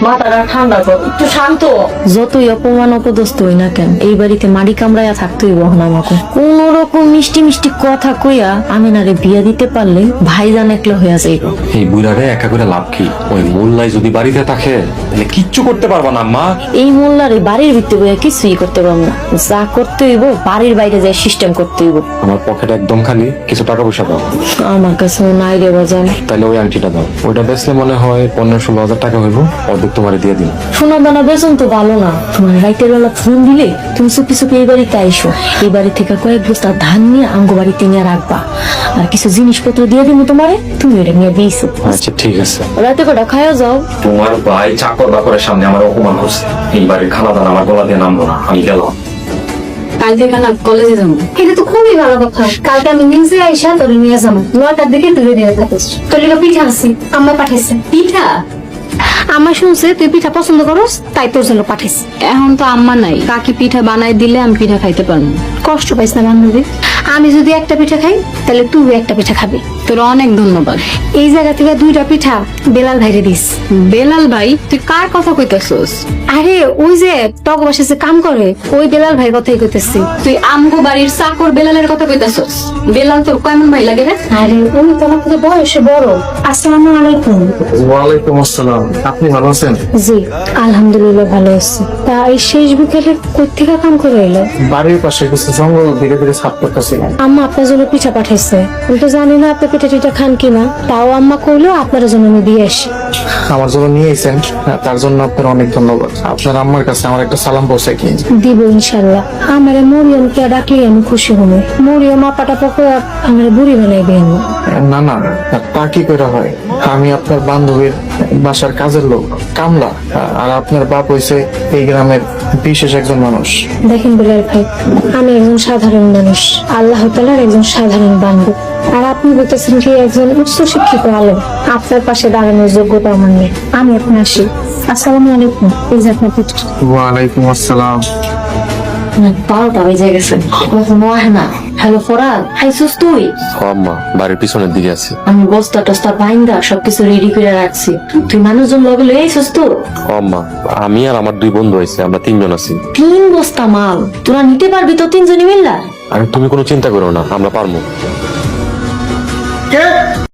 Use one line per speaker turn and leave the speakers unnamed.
মাথাটা ঠান্ডা কর, একটু শান্ত। যতই অপমান অপদস্থ হই না কেন, এই বাড়িতে মাড়ি কামড়াইয়া থাকতেই বহন আমাকে। কোন রকম মিষ্টি মিষ্টি কথা কইয়া আমিনারে বিয়া দিতে পারলে ভাইজান একলা হইয়া যাইব।
এই বুড়ারে একা করে লাভ কি? ওই মোল্লাই যদি বাড়িতে থাকে তাহলে কিচ্ছু করতে পারবা না আম্মা।
এই মোল্লারে বাড়ির ভিতরে বইয়া কিছুই করতে পারবো না, যা করতে হইব বাড়ির বাইরে যাই সিস্টেম করতে হইব।
আমার পকেট একদম খালি, কিছু টাকা পয়সা দাও।
আমার কাছে নাই রে বাজান।
তাহলে ওই আংটিটা দাও, ওইটা বেচলে মনে হয় 15-16 হাজার টাকা হইব, অর্ধেক তোমারে দিয়ে দিন।
শোনা দানা বেতন তো ভালো না, তোমার রাইতের বেলা ফোন দিলে তুমি চুপি চুপি এই বাড়িতে আইসো। এই বাড়ি থেকে কয়েক বস্তা ধান নিয়ে আঙ্গো বাড়িতে নিয়ে রাখবা, আর কিছু জিনিসপত্র দিয়ে দিব তোমারে, তুমি ওটা নিয়ে দিয়েছো।
আচ্ছা ঠিক আছে।
রাতে কটা খায়া যাও।
তোমার ভাই চাকর বাকরের সামনে আমার অপমান করছে, এই বাড়ির খানা দানা আমার গলা দিয়ে নামবো না, আমি গেলাম।
কালকে কেন কলেজে যাবো?
এটা তো খুবই ভালো কথা। কালকে আমি নিজে আইসা তোর নিয়ে যাবো, 9টার দিকে তুই রেডি হয়ে থাকিস। তোর লিগে পিঠা আছে, আম্মা পাঠাইছে।
পিঠা?
আম্মা শুনছে তুই পিঠা পছন্দ করস, তাই তোর জন্য পাঠাইছে।
এখন তো আম্মা নাই, কাকি পিঠা বানাই দিলে আমি পিঠা খাইতে পারবো।
কষ্ট পাইস না বান্ধবী, আমি যদি একটা পিঠা খাই তাহলে তুই একটা পিঠা খাবি।
তোর অনেক ধন্যবাদ।
এই জায়গা থেকে 2টা পিঠা বেলাল ভাইরে দিস।
বেলাল ভাই? তুই কার কথা কইতাছস?
আরে ওই যে টক বাসে যে কাম করে, ওই বেলাল ভাই কথাই কইতেছি।
তুই আমগো বাড়ির চাকর বেলালের কথা কইতাছস? বেলাল তোর কেমন ভাই লাগে রে?
আরে উনি তোমার থেকে বয়সে বড়। আসসালামু আলাইকুম।
ওয়ালাইকুম আসসালাম। আপনি ভালো আছেন?
জি আলহামদুলিল্লাহ ভালো আছি। তা এই শেষ বিকেলে কই থেকে কাম করে এলো?
বাড়ির পাশে কিছু জঙ্গল ধীরে ধীরে সাফ করতেছিলাম।
আম্মা আপনার জন্য পিঠা পাঠাইছে। আমি তো জানি না আপনি পিঠা টিঠা খান কিনা, তাও আম্মা কইলো আপনার জন্য আমি দিয়ে আসি।
আমার জন্য নিয়ে এসেছেন, তার জন্য আপনার অনেক ধন্যবাদ। আপনার আম্মার কাছে আমার একটা সালাম পৌঁছে কি
দিব ইনশাল্লাহ। আমার মরিয়মকে ডাকলে আমি খুশি হব। মরিয়ম আপাটা পকে আমার বুড়ি বানাইবে।
না না, তা কি করে হয়? আমি আপনার বান্ধবীর বাসার কাজের লোক, কামলা। আর আপনার বাপ হইছে এই গ্রামের বিশেষ একজন মানুষ।
দেখেন বিলাল ভাই, আমি একজন সাধারণ মানুষ, আল্লাহ তাআলার একজন সাধারণ বান্ধব। আর আপনি বলতেছেন কি একজন উচ্চ শিক্ষিত আলেম, আপনার পাশে দাঁড়ানোর যোগ্যতা আমার নেই। আমি এখন আসি। আসসালামু আলাইকুম। এই যে আপনার পিঠা।
ওয়ালাইকুম আসসালাম।
12টা বেজে গেছে, না। হ্যালো ফরাদ, খাইছিস তুই?
আম্মা বাড়ির পিছনের দিকে আছে।
আমি বস্তা টস্তা বাইন্দা সবকিছু রেডি করে রাখছি, তুই মানুষজন লগে লই আইছিস তো?
আম্মা আমি আর আমার 2 বন্ধু হয়েছে, আমরা 3 জন আছি।
3 বস্তা মাল তোরা নিতে পারবি তো 3 জনই মিল্লা?
আর তুমি কোনো চিন্তা করো না, আমরা পারবো।